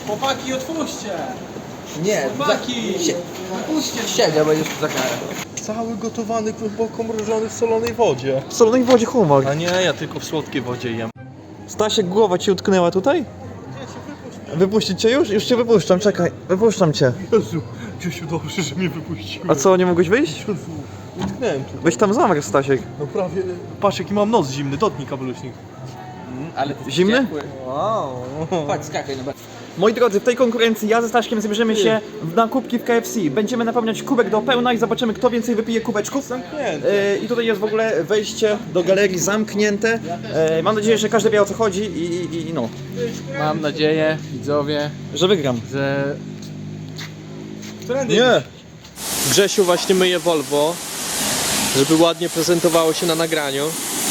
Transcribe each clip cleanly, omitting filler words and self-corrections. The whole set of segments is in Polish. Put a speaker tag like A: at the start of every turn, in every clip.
A: Chłopaki, otwórzcie!
B: Nie,
A: Chłopaki!
B: siedział, będziesz za karę.
C: Cały gotowany, głęboko mrożony w solonej wodzie.
D: W solonej wodzie homar.
C: A nie, ja tylko w słodkiej wodzie jem.
D: Stasiek, głowa ci utknęła tutaj? Wypuścić cię już? Już cię wypuszczam, czekaj. Wypuszczam cię.
C: Jezu, Grzesiu, dobrze, że mnie wypuściłeś.
D: A co, nie mogłeś wyjść?
C: Jezu, utknąłem tu.
D: Weź tam zamarł, Stasiek.
C: No prawie, patrz jaki mam nos zimny, dotknij kabeluśnik.
B: Ale ty
D: Zimny?
B: ciepły.
C: Wow.
B: Chodź, skakaj na
D: Moi drodzy, w tej konkurencji ja ze Staszkiem zabierzemy się na kubki w KFC. Będziemy napełniać kubek do pełna i zobaczymy, kto więcej wypije kubeczków.
C: Zamknięte.
D: I tutaj jest w ogóle wejście do galerii zamknięte. Mam nadzieję, że każdy wie, o co chodzi i no,
A: Mam nadzieję, widzowie,
D: że wygram.
A: że...
D: Nie!
A: Grzesiu właśnie myje Volvo, żeby ładnie prezentowało się na nagraniu.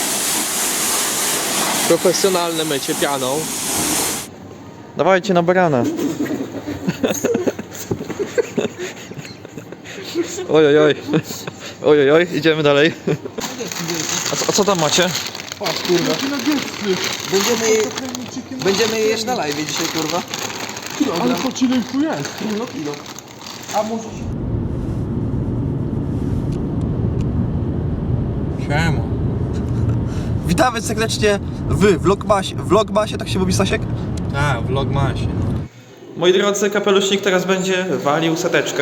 A: Profesjonalne mycie pianą.
D: Dawajcie na barana. Ojojoj. Ojojoj, idziemy dalej. A co tam macie?
C: Patrz, kurwa.
B: Będziemy jeść na live dzisiaj, kurwa.
C: Ale patrz ile ich tu jest.
B: No kilo. A możesz...
C: Siema.
D: Witamy serdecznie w Vlogmasie, tak się mówi, Stasiek?
C: Tak, vlogmasie.
D: Moi drodzy, kapelusznik teraz będzie walił seteczkę.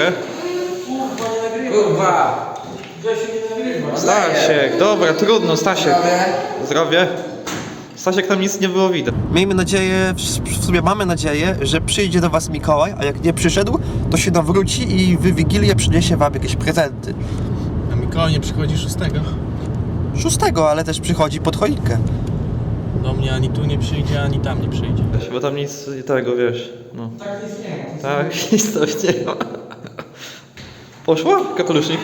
B: Kurwa!
D: Stasiek, dobra, trudno, Stasiek. Zdrowie. Stasiek, tam nic nie było widać. Miejmy nadzieję, w sumie mamy nadzieję, że przyjdzie do was Mikołaj, a jak nie przyszedł, to się nawróci i w Wigilię przyniesie wam jakieś prezenty.
C: A Mikołaj nie przychodzi 6?
D: 6, ale też przychodzi pod choinkę.
C: Do mnie ani tu nie przyjdzie, ani tam nie przyjdzie.
D: Bo tam nic tego, wiesz, no. Tak, nic nie ma. Tak, nic tam nie ma. Poszła? Kapelusznik?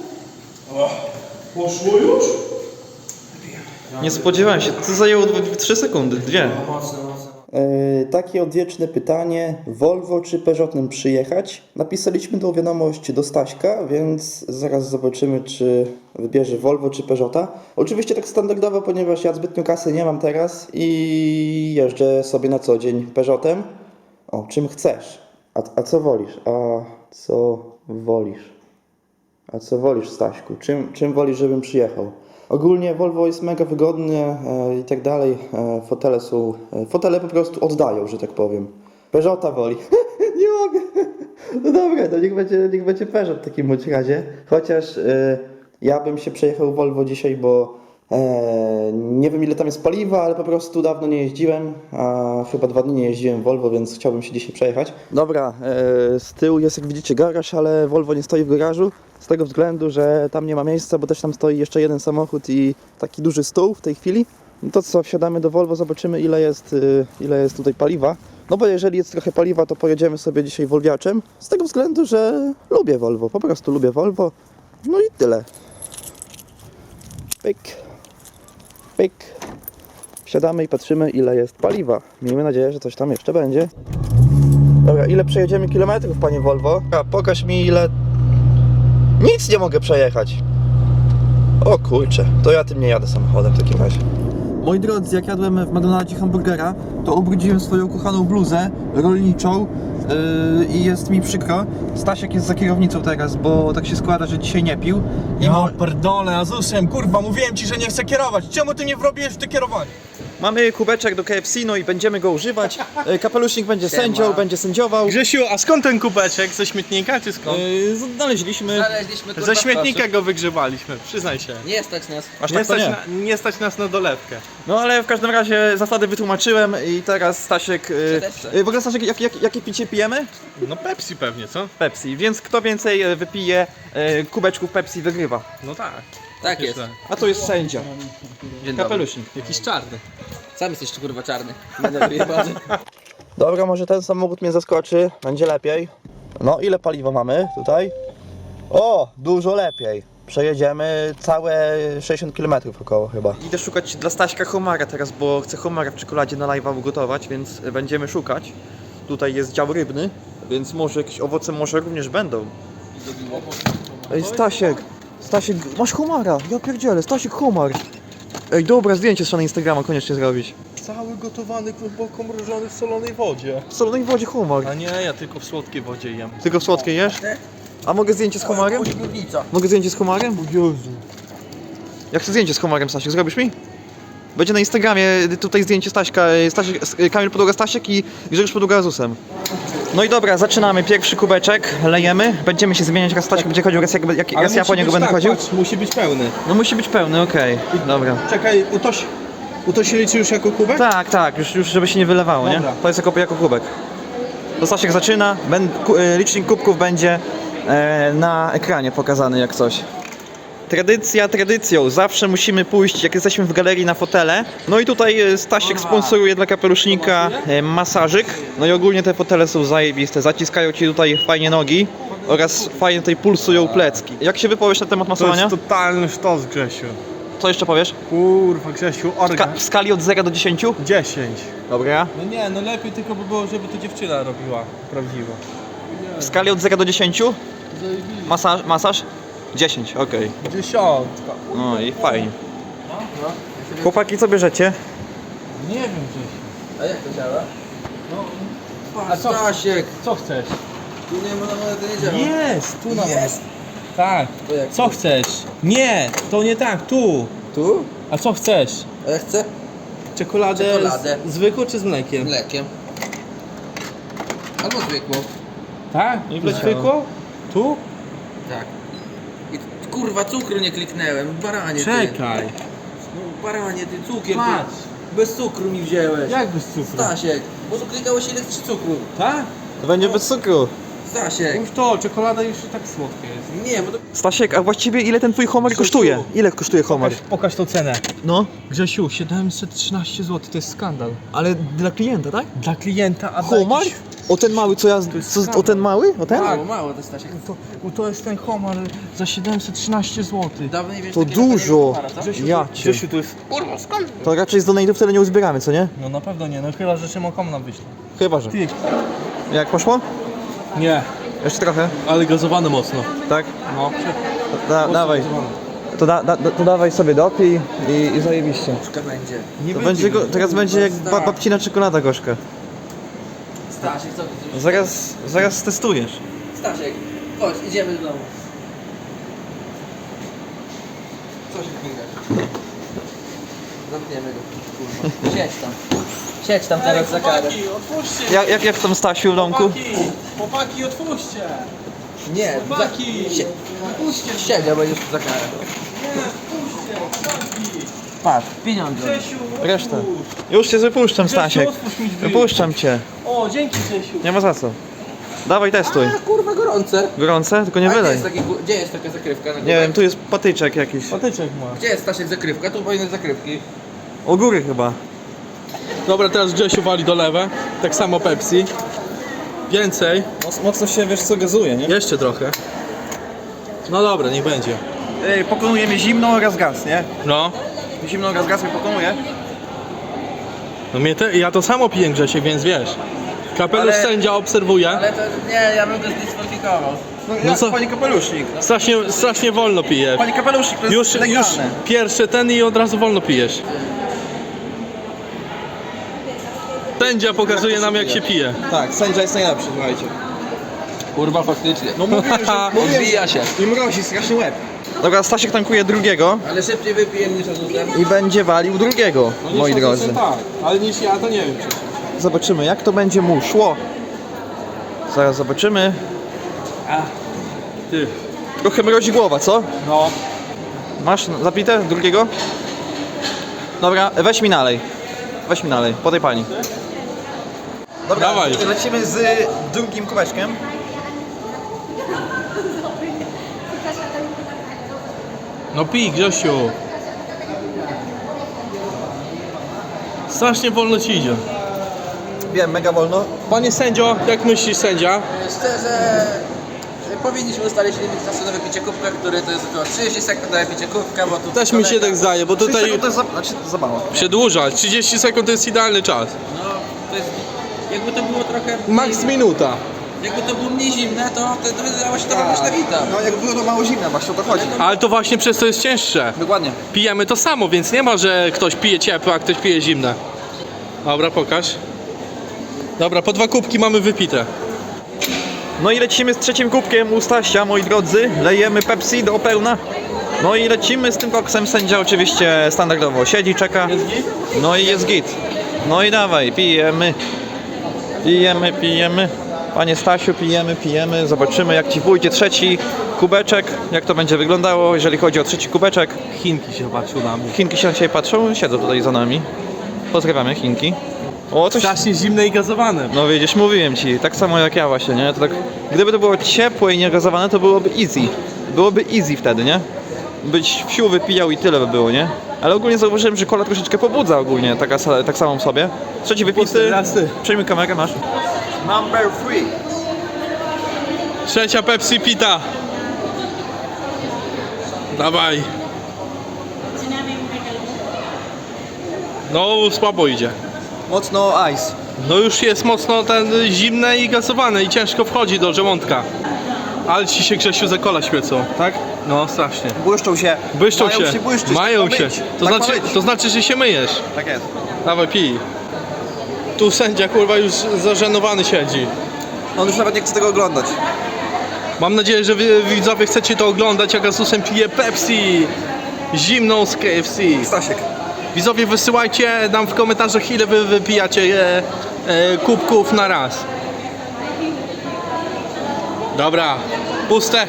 C: Poszło już?
D: Nie spodziewałem się, to zajęło 3 sekundy, 2.
E: Takie odwieczne pytanie, Volvo czy Peugeotem przyjechać? Napisaliśmy tą wiadomość do Staśka, więc zaraz zobaczymy, czy wybierze Volvo czy Peugeota. Oczywiście tak standardowo, ponieważ ja zbytnio kasy nie mam teraz i jeżdżę sobie na co dzień Peugeotem. O, czym chcesz? A co wolisz? A co wolisz? A co wolisz, Staśku? Czym wolisz, żebym przyjechał? Ogólnie Volvo jest mega wygodne i tak dalej. Fotele po prostu oddają, że tak powiem. Peugeota woli. Nie mogę. No dobra, to niech będzie Peugeot w takim bądź razie. Chociaż ja bym się przejechał Volvo dzisiaj, bo nie wiem ile tam jest paliwa, ale po prostu dawno nie jeździłem. A chyba 2 dni nie jeździłem Volvo, więc chciałbym się dzisiaj przejechać. Dobra, z tyłu jest jak widzicie garaż, ale Volvo nie stoi w garażu. Z tego względu, że tam nie ma miejsca, bo też tam stoi jeszcze jeden samochód i taki duży stół w tej chwili. No to co, wsiadamy do Volvo, zobaczymy ile jest tutaj paliwa. No bo jeżeli jest trochę paliwa, to pojedziemy sobie dzisiaj Volviaczem. Z tego względu, że lubię Volvo, po prostu lubię Volvo. No i tyle. Pyk. Pyk. Wsiadamy i patrzymy ile jest paliwa. Miejmy nadzieję, że coś tam jeszcze będzie. Dobra, ile przejedziemy kilometrów, panie Volvo? Pokaż mi ile... Nic nie mogę przejechać. O kurczę, to ja tym nie jadę samochodem w takim razie. Moi drodzy, jak jadłem w McDonaldzie hamburgera, to ubrudziłem swoją kochaną bluzę rolniczą i jest mi przykro. Stasiek jest za kierownicą teraz, bo tak się składa, że dzisiaj nie pił.
C: Ja pierdolę, Azusem, kurwa, mówiłem ci, że nie chcę kierować. Czemu ty mnie wrobiłeś w te kierowanie?
D: Mamy kubeczek do KFC, no i będziemy go używać. Kapelusznik będzie sędzią, będzie sędziował.
C: Grzesiu, a skąd ten kubeczek? Ze śmietnika czy skąd?
D: Znaleźliśmy.
B: Kurwa,
C: Ze śmietnika go wygrzebaliśmy, przyznaj się.
B: Nie stać nas.
D: Aż tak to nie.
C: Nie stać nas na dolewkę.
D: No ale w każdym razie zasady wytłumaczyłem i teraz Stasiek... w ogóle Stasiek, jakie picie pijemy?
C: No Pepsi pewnie, co?
D: Pepsi, więc kto więcej wypije kubeczków Pepsi wygrywa.
C: No tak.
B: Tak jest.
D: A to jest sędzia.
B: Dzień dobry.
D: Kapelusznik.
C: Jakiś czarny.
B: Sam jesteś kurwa czarny. Będę wyjebany.
E: Dobra, może ten samochód mnie zaskoczy, będzie lepiej. No, ile paliwa mamy tutaj? O, dużo lepiej. Przejedziemy całe 60 km około chyba. Idę szukać dla Staśka homara teraz, bo chcę homara w czekoladzie na live'a ugotować, więc będziemy szukać. Tutaj jest dział rybny, więc może jakieś owoce może również będą. Ej, Stasiek, masz homara, ja pierdzielę, Stasiek homar. Ej, dobra, zdjęcie trzeba na Instagrama koniecznie zrobić.
C: Cały gotowany, głęboko mrożony w solonej wodzie.
D: W solonej wodzie homar.
C: A nie, ja tylko w słodkiej wodzie jem.
D: Tylko w słodkiej jesz? A mogę zdjęcie z homarem? Mogę zdjęcie z homarem?
C: Jezu.
D: Ja chcę zdjęcie z homarem, Stasiek, zrobisz mi? Będzie na Instagramie tutaj zdjęcie Staśka, Kamil Podłoga Stasiek i Grzegorz Podłoga Azusem. No i dobra, zaczynamy. Pierwszy kubeczek, lejemy. Będziemy się zmieniać, raz Stasiek będzie chodził, raz ja po niego będę chodził.
C: Patrz, musi być pełny.
D: No musi być pełny, okej. Dobra.
C: Czekaj, to się liczy już jako kubek?
D: Tak, już żeby się nie wylewało, nie?
C: Dobra.
D: To jest jako kubek. To Stasiek zaczyna, licznik kubków będzie na ekranie pokazany jak coś. Tradycja tradycją, zawsze musimy pójść, jak jesteśmy w galerii, na fotele. No i tutaj Stasiek sponsoruje dla kapelusznika masażyk. No i ogólnie te fotele są zajebiste, zaciskają ci tutaj fajnie nogi oraz fajnie tutaj pulsują plecki. Jak się wypowiesz na temat
C: To
D: masowania?
C: jest totalny sztos, Grzesiu.
D: Co jeszcze powiesz?
C: Kurwa, Grzesiu, organ.
D: W skali od 0 do 10?
C: 10.
D: Dobra.
C: No nie, no lepiej tylko by było, żeby to dziewczyna robiła prawdziwa.
D: W skali od 0 do 10? Masaż? 10, okej.
C: 10.
D: No i fajnie. Chłopaki, co bierzecie?
C: Nie wiem, Grzesiu.
B: A jak to działa?
C: A co?
B: Stasiek,
C: Co chcesz?
B: tu nie ma, to nie działa.
C: Jest, tu na
B: Jest.
C: Tak.
B: To jak?
C: Co chcesz? Nie, to nie tak, tu.
B: Tu?
C: A co chcesz?
B: A ja chcę
C: Czekoladę,
B: Czekoladę.
C: zwykłą czy z mlekiem?
B: mlekiem. Albo zwykłą.
C: Tak? Zwykłą? Tu?
B: Tak. I kurwa, cukru nie kliknęłem, baranie ty.
C: Czekaj.
B: No baranie ty, cukier
C: Patrz.
B: ty. Bez cukru mi wzięłeś.
C: Jak bez cukru?
B: Stasiek, bo tu klikałeś ile chcesz cukru.
C: Tak?
D: To będzie bez cukru.
B: Stasiek.
C: Już to, czekolada już i tak słodka jest.
B: Nie, bo to...
D: Stasiek, a właściwie ile ten twój homar kosztuje? Ile kosztuje homar?
C: Pokaż tą cenę.
D: No,
C: Grzesiu, 713 zł, to jest skandal.
D: ale dla klienta, tak?
C: Dla klienta, a
D: Homar?
C: jakiś...
D: O ten mały, co ja... O ten mały? O ten?
B: Mało, mało to Stasiek.
C: To jest ten homar za 713 zł.
B: Dawno nie wiesz
D: To
B: takiego
D: dużo.
B: homara, co?
D: Ja cię.
C: Grzesiu, to jest... Kurwa, skandal.
D: To raczej z donate'ów tyle nie uzbieramy, co nie?
C: No na pewno nie, no chyba, że Szymon nam wyśle.
D: Chyba, że.
C: Ty.
D: Jak poszło?
C: Nie,
D: Jeszcze trochę,
C: ale gazowane mocno.
D: tak?
C: No.
D: Dawaj. To dawaj sobie dopij i zajebiście.
B: Troszkę będzie.
C: Nie
D: To będzie teraz będzie jak babcina czekolada gorzka.
B: Stasiek, co ty?
D: Zaraz testujesz.
B: Stasiek, chodź, idziemy do domu. Co się kmingasz? Zamkniemy go, kurwa. Siedź tam teraz za karę.
C: otwórzcie!
D: Jak w tym Stasiu w domku?
C: Chłopaki, otwórzcie!
B: Nie,
C: Chłopaki!
B: siedział, będziesz za karę. Patrz, pieniądze.
C: Grzesiu,
D: Resztę. Już cię wypuszczam, Stasiek.
C: otwórz mi drzwi.
D: Wypuszczam cię.
C: O, dzięki Grzesiu.
D: Nie ma za co. Dawaj, testuj.
B: A kurwa, gorące.
D: Gorące? Tylko nie
B: A
D: wylej.
B: gdzie jest taka zakrywka? Na
D: Nie wiem, tu jest patyczek jakiś.
C: Patyczek ma.
B: Gdzie jest Stasiek zakrywka? Tu powinny zakrywki.
D: U góry chyba.
C: Dobra, teraz Grzesiu wali do lewe. Tak samo Pepsi. Więcej.
D: Mocno się, wiesz co, gazuje, nie?
C: Jeszcze trochę. No dobra, niech będzie.
D: Pokonuje mnie zimno oraz gaz, nie?
C: No.
D: Zimno oraz gaz mnie pokonuje.
C: No ja to samo piję Grzesiek, więc wiesz. Kapelusz
B: Ale-
C: sędzia obserwuje.
B: Ale to nie, ja bym to zdyskwalifikował.
D: No
C: co?
D: Panie kapelusznik.
C: Strasznie wolno pije.
D: Panie kapelusznik, to jest
C: Już
D: legalne.
C: pierwszy ten i od razu wolno pijesz. Sędzia pokazuje nam jak się pije.
D: Tak, sędzia jest najlepszy, słuchajcie.
B: Kurwa, faktycznie.
D: No mówiłem, że...
B: Odbija się.
D: I mrozi straszny łeb. Dobra, Stasiek tankuje drugiego
B: Ale szybciej wypiję niż Azusem.
D: i będzie walił drugiego, moi drodzy.
C: Tak, ale niż ja to nie wiem przecież.
D: Zobaczymy, jak to będzie mu szło. Zaraz zobaczymy.
C: Ty.
D: Trochę mrozi głowa, co?
C: No.
D: Masz zapite drugiego? Dobra, weź mi nalej. Weź mi nalej, po tej pani. Dobra,
C: Dawaj.
D: lecimy z drugim kubeczkiem.
C: No pij Grzesiu. Strasznie wolno ci idzie.
D: Wiem, mega wolno.
C: Panie sędzio, jak myślisz sędzia?
B: Szczerze, powinniśmy ustalić limit czasu na wypicie kubka, który to jest około 30 sekund na wypicie kubka, bo tu
C: Też mi się tak zdaje, bo tutaj
D: To jest za mało.
C: przedłuża. 30 sekund to jest idealny czas.
B: No, to jest... Jakby to było trochę...
C: Max minuta.
B: Jakby to było mniej zimne, to wydawało się to robić na wita.
D: No jak było to mało zimne, właśnie o to chodzi.
C: Ale to właśnie przez to jest cięższe.
D: Dokładnie.
C: Pijemy to samo, więc nie ma, że ktoś pije ciepłe, a ktoś pije zimne. Dobra, pokaż. Dobra, po 2 kubki mamy wypite.
D: No i lecimy z trzecim kubkiem u Stasia, moi drodzy. Lejemy Pepsi do pełna. No i lecimy z tym koksem. Sędzia oczywiście standardowo siedzi, czeka.
C: Jest git?
D: No i jest git. No i dawaj, pijemy. Pijemy. Panie Stasiu, pijemy. Zobaczymy, jak ci pójdzie trzeci kubeczek. Jak to będzie wyglądało, jeżeli chodzi o trzeci kubeczek.
C: Chinki się patrzą na mnie.
D: Chinki się na ciebie patrzą, siedzą tutaj za nami. Pozdrawiamy Chinki. O, coś...
C: Strasznie zimne i gazowane.
D: No widzisz, mówiłem ci, tak samo jak ja właśnie, nie? To tak, gdyby to było ciepłe i niegazowane, to byłoby easy. Byłoby easy wtedy, nie? Byś wsiu wypijał i tyle by było, nie? Ale ogólnie zauważyłem, że kola troszeczkę pobudza ogólnie, tak samą w sobie. Trzeci wypisy.
C: Raz ty.
D: Przejmij kamerę, masz. Number 3.
C: Trzecia Pepsi pita. Dawaj. No słabo idzie.
D: Mocno ice.
C: No już jest mocno zimne i gazowane i ciężko wchodzi do żołądka. Ale ci się, Grzesiu, za kola świecą.
D: Tak?
C: No strasznie.
D: Błyszczą się.
C: Błyszczą
D: Mają
C: się.
D: błyszczyć,
C: Mają
D: tak ma
C: się.
D: być.
C: To,
D: Tak
C: znaczy,
D: ma być.
C: to znaczy, że się myjesz.
D: Tak jest.
C: Dawaj, pij. Tu sędzia, kurwa, już zażenowany siedzi.
D: On już nawet nie chce tego oglądać.
C: Mam nadzieję, że wy, widzowie, chcecie to oglądać, jak Asusem pije Pepsi zimną z KFC.
D: Stasiek.
C: Widzowie, wysyłajcie nam w komentarzach, ile wy wypijacie kubków na raz. Dobra, puste.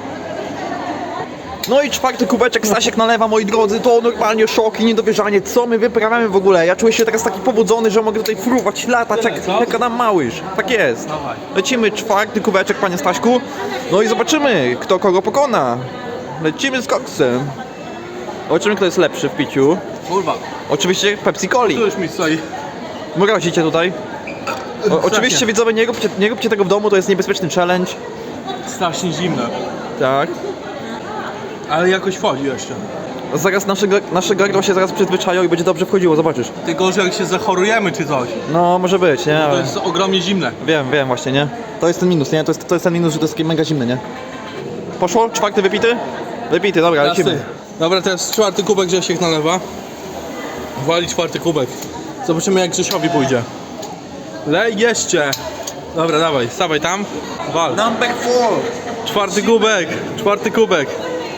D: No i czwarty kubeczek Stasiek nalewa, moi drodzy, to normalnie szok i niedowierzanie, co my wyprawiamy w ogóle. Ja czuję się teraz taki pobudzony, że mogę tutaj fruwać, latać jak Adam Małysz. Tak jest.
C: Dawaj.
D: Lecimy czwarty kubeczek, panie Staśku. No i zobaczymy, kto kogo pokona. Lecimy z koksem. Zobaczymy, kto jest lepszy w piciu.
C: Kurwa,
D: Oczywiście Pepsi Coli.
C: tu już mi stoi.
D: Mrozicie tutaj. Oczywiście widzowie, nie róbcie tego w domu, to jest niebezpieczny challenge.
C: Strasznie zimne.
D: Tak.
C: Ale jakoś wchodzi jeszcze.
D: Zaraz nasze gardło się zaraz przyzwyczają i będzie dobrze wchodziło, zobaczysz.
C: Ty gorzej, jak się zachorujemy czy coś.
D: No, może być, nie?
C: To
D: Ale...
C: jest ogromnie zimne.
D: Wiem właśnie, nie? To jest ten minus, nie? To jest ten minus, że to jest takie mega zimne, nie? Poszło? Czwarty wypity? Wypity, dobra, lecimy.
C: Jasny. Dobra, teraz czwarty kubek Grzesiek nalewa. Wali czwarty kubek. Zobaczymy, jak Grzesiowi pójdzie. Lej jeszcze. Dobra, dawaj, stawaj tam. Wal.
D: Number 4.
C: Czwarty kubek.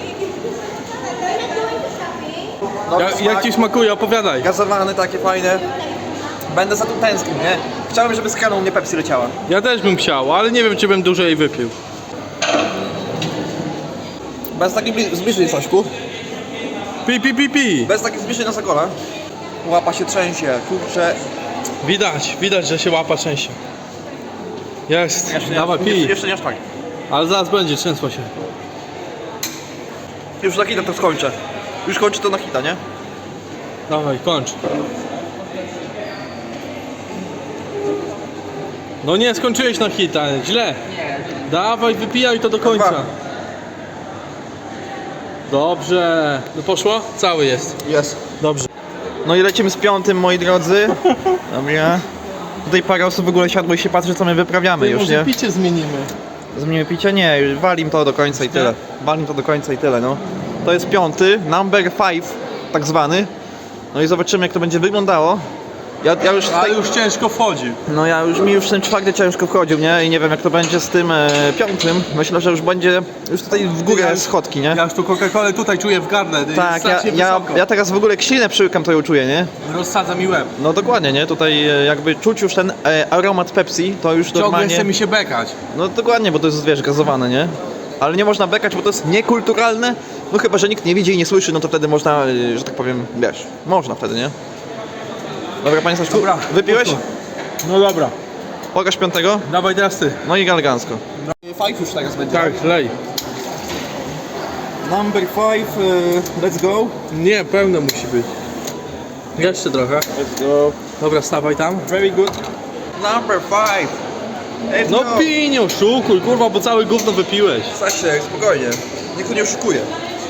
C: Jak ci smakuje? Opowiadaj.
D: Gazowane, takie fajne. Będę za tym tęsknił, nie? Chciałbym, żeby z kraną mnie Pepsi leciała.
C: Ja też bym chciał, ale nie wiem, czy bym dłużej wypił.
D: Bez takiej zbliżeń, Staśku.
C: Pi.
D: Bez takiej zbliżeń na Sakola. Łapa się trzęsie, kurczę.
C: Widać, że się łapa częściej. Jest, dawaj, pij.
D: Jeszcze nie aż tak.
C: Ale zaraz będzie, trzęsło się.
D: Już na hita to skończę. Już kończę to na hita, nie?
C: Dawaj, kończ. No nie, skończyłeś na hita, źle. Dawaj, wypijaj to do końca. Dobrze. No poszło? Cały jest.
D: Jest.
C: Dobrze.
D: No i lecimy z piątym, moi drodzy. Dobra. Tutaj parę osób w ogóle siadło i się patrzy, co my wyprawiamy już,
C: Może
D: nie?
C: picie zmienimy.
D: Zmienimy picie? Nie, już walim to do końca i tyle. Walim to do końca i tyle, no. To jest piąty, number 5, tak zwany. No i zobaczymy, jak to będzie wyglądało. Ja już
C: Ale już ciężko wchodzi.
D: No mi już ten czwarty ciężko wchodził, nie? I nie wiem, jak to będzie z tym piątym. Myślę, że już będzie już tutaj w górę schodki, nie?
C: Ja już tu Coca-Colę tutaj czuję w gardle.
D: Tak, ja teraz w ogóle jak ślinę przyłykam, to ją czuję, nie?
C: Rozsadza mi łeb.
D: No dokładnie, nie? Tutaj jakby czuć już ten aromat Pepsi, to już
C: Ciągle
D: normalnie...
C: chce mi się bekać.
D: No dokładnie, bo to jest, wiesz, gazowane, nie? Ale nie można bekać, bo to jest niekulturalne. No chyba, że nikt nie widzi i nie słyszy, no to wtedy można, że tak powiem, wiesz, można wtedy, nie? Dobra, panie Staszku,
C: Dobra,
D: wypiłeś?
C: pusto. No dobra.
D: Pokaż piątego.
C: Dawaj teraz ty.
D: No i elegancko. 5 już teraz będzie.
C: Tak, lej.
D: Number 5, let's go.
C: Nie, pełne musi być. Jeszcze trochę.
D: Let's go.
C: Dobra, stawaj tam.
D: Very good. Number 5. Let's
C: No
D: go.
C: pij, nie oszukuj, kurwa, bo całe gówno wypiłeś.
D: Stasiek, spokojnie. Nikt tu nie oszukuje.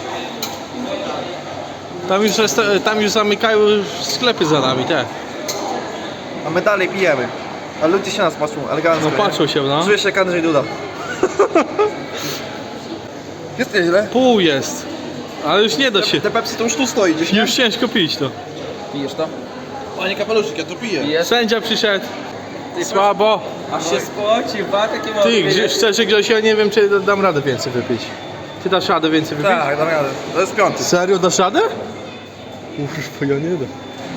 C: Tam już zamykają sklepy za nami, te.
D: A my dalej pijemy. A ludzie się nas patrzą elegancko.
C: No patrzą się, no.
D: Czuję się jak Andrzej Duda. Jest nieźle.
C: Pół jest. Ale już nie da się.
D: Te Pepsi to już tu stoi gdzieś, nie?
C: Już ciężko pić to.
D: Pijesz to?
C: Panie kapeluszyk, ja to piję.
B: Pijesz?
A: Sędzia przyszedł. Słabo.
B: Aż się spocił, patrz jakie ma
A: Ty, szczerze Grzesiu, ja nie wiem, czy dam radę więcej wypić. Ty dasz radę więcej wypić?
C: Tak, dam radę. To jest piąty.
A: Serio dasz radę? Kurwa, ja nie dam.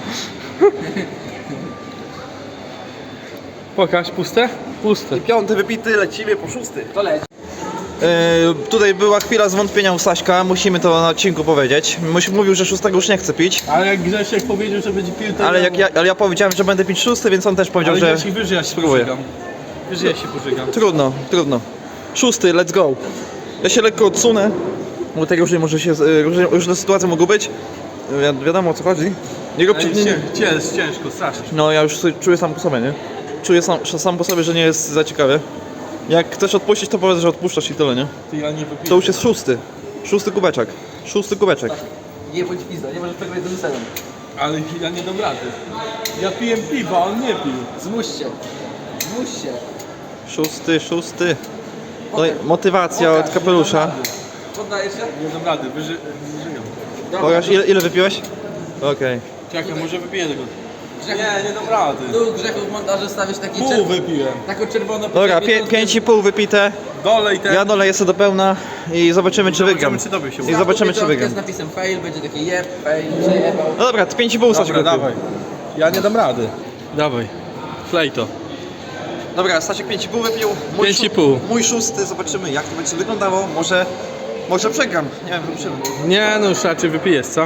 A: Pokaż, puste? Puste.
D: Piąty wypity, lecimy po szósty.
B: To leci.
D: Tutaj była chwila zwątpienia u Staśka, musimy to na odcinku powiedzieć. Mówił, że szóstego już nie chce pić,
A: Ale jak Grzesiek powiedział, że będzie pił, to
D: ale ja powiedziałem, że będę pić szósty, więc on też powiedział,
A: Ale
D: że
A: Grzesiek, wiesz, że ja się
D: spróbuję.
A: pożygam. Wiesz, że ja się pożygam.
D: Trudno. Szósty, let's go. Ja się lekko odsunę, bo tak różnie może się, różne sytuacje mogą być. Wiadomo o co chodzi. Nie róbcie,
A: Ciężko, strasznie.
D: no ja już czuję sam po sobie, nie? Czuję sam po sobie, że nie jest za ciekawie. Jak chcesz odpuścić, to powiedz, że odpuszczasz i tyle, nie?
A: Ty, ja nie wypiję.
D: To już jest szósty. Szósty kubeczek.
B: Nie bądź pizda, nie możesz przegrać z Lucenem.
A: Ale ja nie dam rady. Ja piję piwo, a on nie pił.
B: Zmuś się. Zmuś się.
D: Szósty. No, i motywacja od kapelusza.
B: Poddajesz się?
A: Nie dam rady, wyżygam.
D: Pokaż, ile wypiłeś? Okej.
A: Czekaj, może wypiję tego. Nie dam rady.
B: Tu Grzechu w montażu stawisz taki
A: Pół wypiłem.
B: taką czerwoną...
D: Dobra,
B: powiedzmy,
D: 5,5 wypite.
A: Dolej ten.
D: Ja doleję sobie do pełna i zobaczymy czy wygram.
A: czy tobie się
D: I zobaczymy czy
B: piątkę
D: wygram.
B: z napisem fail, będzie taki jeb, fail, przejebał.
D: No dobra, 5,5 Stasiek
A: Dobra,
D: wypił.
A: dawaj. Ja nie dam rady. Dawaj. Flej to.
D: Dobra, Stasiek 5,5 wypił.
A: 5,5.
D: Mój szósty, zobaczymy jak to będzie wyglądało. Może przegram. Nie wiem, zobaczymy.
A: Nie, no już raczej wypijesz, co?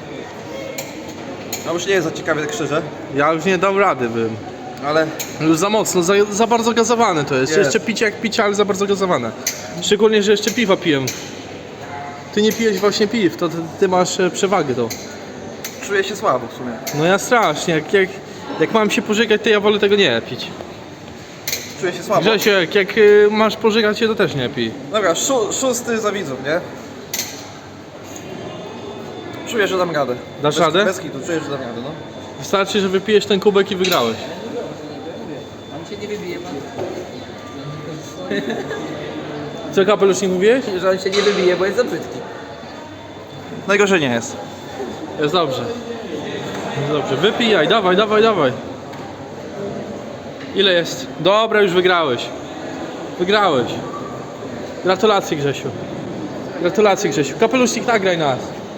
D: No już nie jest za ciekawie tak szczerze,
A: Ja już nie dam rady bym.
D: ale
A: Już za mocno, za bardzo gazowane to jest.
D: Jest.
A: Jeszcze picie jak picie, ale za bardzo gazowane. Szczególnie, że jeszcze piwa piję. Ty nie pijesz właśnie piw, to ty masz przewagę to.
D: czuję się słabo w sumie.
A: No ja strasznie, jak mam się pożygać, to ja wolę tego nie pić.
D: Czuję się słabo.
A: Grzesiek, jak masz pożygać się, to też nie pij.
D: Dobra, szósty za widzów, nie? Czuję, że dam radę.
A: Dasz radę?
D: Bez kitu, czuję, że dam radę, no.
A: Wystarczy, że wypijesz ten kubek i wygrałeś.
B: On się nie wybije, pan.
A: Co kapelusznik mówiłeś?
B: Że on się nie wybije, bo jest za brzydki.
D: Najgorzej nie jest.
A: Jest dobrze. Jest dobrze, wypijaj, dawaj. Ile jest? Dobra, już wygrałeś. Wygrałeś. Gratulacje Grzesiu. Kapelusznik, nagraj nas.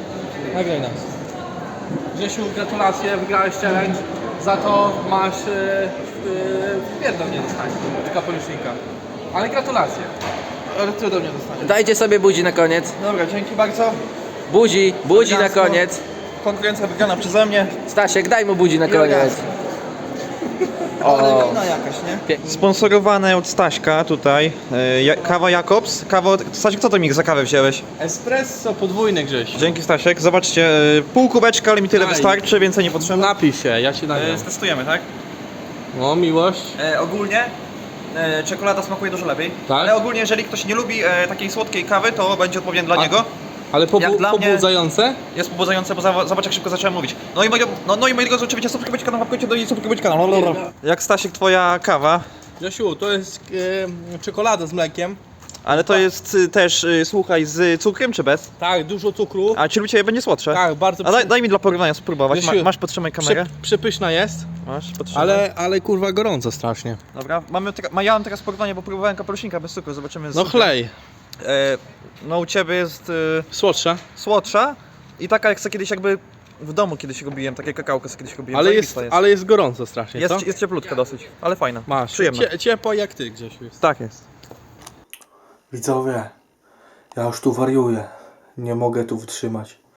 A: Grzesiu, gratulacje, wygrałeś challenge. Za to masz pierdol nie dostaniesz od kapelusznika. Ale gratulacje.
D: Ale ty do mnie dostaniesz.
B: Dajcie sobie buzi na koniec.
D: Dobra, dzięki bardzo.
B: Buzi na
D: Elegancko.
B: koniec.
D: Konkurencja wygrana przeze mnie.
B: Stasiek, daj mu budzi na koniec.
D: Elegancko.
B: O,
D: jakaś, nie? Sponsorowane od Staśka tutaj. Kawa Jakobs. Stasiek, co to mi za kawę wziąłeś?
A: Espresso podwójne Grzesiu.
D: Dzięki Stasiek. Zobaczcie, pół kubeczka, ale mi tyle
A: Daj.
D: wystarczy, więcej nie potrzeba.
A: Napij się, ja ci nagram.
D: Testujemy, tak?
A: O, miłość.
D: Ogólnie czekolada smakuje dużo lepiej.
A: Tak?
D: Ale ogólnie, jeżeli ktoś nie lubi takiej słodkiej kawy, to będzie odpowiednie dla
A: A-
D: niego.
A: Ale
D: Jak dla mnie-
A: pobudzające?
D: Jest pobudzające, bo zobacz jak szybko zacząłem mówić. No i moi drodzy, oczywiście subskrybować kanał, łapkujcie do i subskrybować kanał. Jak Stasiek, twoja kawa?
A: Grzesiu, to jest czekolada z mlekiem.
D: Ale to jest też, słuchaj, z cukrem czy bez?
A: Tak, dużo cukru.
D: A czy u Ciebie będzie słodsze?
A: Tak, bardzo
D: A daj mi dla porównania spróbować.
A: Grzesiu,
D: Masz, podtrzymaj kamerę.
A: przepyszna jest,
D: Masz, podtrzymaj.
A: ale kurwa gorąco strasznie.
D: Dobra, ja mam teraz porównanie, bo próbowałem kapelusznika bez cukru, zobaczymy. z
A: No
D: cukrem.
A: chlej,
D: No u Ciebie jest
A: słodsza,
D: słodsza i taka jak kiedyś jakby w domu kiedyś robiłem, takie kakałko co kiedyś robiłem.
A: ale jest gorąco strasznie, co?
D: jest cieplutka dosyć, ale fajna.
A: Masz,
D: Przyjemna.
A: ciepła jak ty Grzesiu jest.
D: Tak jest.
E: Widzowie, ja już tu wariuję. Nie mogę tu wytrzymać.